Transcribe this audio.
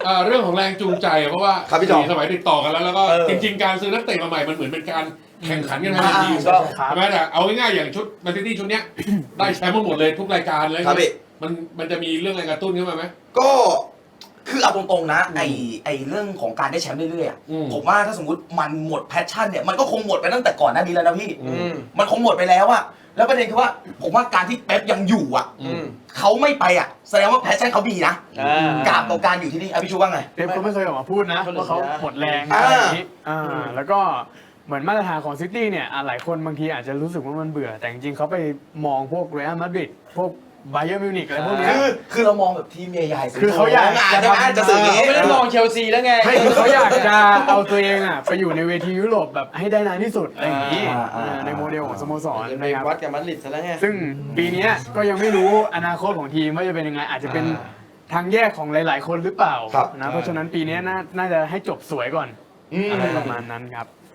เรื่องของแรงจูงใจเพราะว่าครับพี่จอมสมัยติดต่อกันแล้วก็จริงๆการซื้อนักเตะมาใหม่มันเหมือนเป็นการแข่งขันกันภายในทีมก็ใช่ไหมแต่เอาง่ายๆอย่างชุดแมนซิตี้ชุดเนี้ยได้แชมป์มาหมดเลยทุกรายการเลยครับพี่มันจะมีเรื่องแรงกระตุ้นขึ้นมาไหมก็คือเอาตรงๆนะไอเรื่องของการได้แชมป์เรื่อยๆผมว่าถ้าสมมติมันหมดแพชชั่นเนี่ยมันก็คงหมดไปตั้งแต่ก่อนหน้านี้แล้วนะพี่มันคงหมดไปแล้วอะแล้วประเด็นคือว่าผมว่าการที่เป๊ปยังอยู่อะเขาไม่ไปอะแสดงว่าแพชชั่นเขามีนะกับต่อการอยู่ที่นี่พี่ชูว่าไงเป๊ปก็ไม่เคยออกมาพูดนะว่าเขาหมดแรงอะไรอย่างนี้แล้วก็เหมือนมาตรฐานของซิตี้เนี่ยหลายคนบางทีอาจจะรู้สึกว่ามันเบื่อแต่จริงๆเขาไปมองพวกเรอัลมาดริดพวกไบเยิร์นมิวนิกอะไรพวกนี้คือเรามองแบบทีมใหญ่ๆคือเขาอยากจะสื่ออย่างนี้ไม่ได้มองเชลซีแล้วไงไม่คือเขาอยากจะเอาตัวเองอ่ะไปอยู่ในเวทียุโรปแบบให้ได้นานที่สุดอะไรอย่างนี้ในโมเดลของสโมสรไปนะครับวัดกับมัดริดซะแล้วไงซึ่งปีนี้ก็ยังไม่รู้อนาคตของทีมว่าจะเป็นยังไงอาจจะเป็นทางแยกของหลายๆคนหรือเปล่านะเพราะฉะนั้นปีนี้น่าจะให้จบสวยก่อนอะไรประมาณนั้นครับ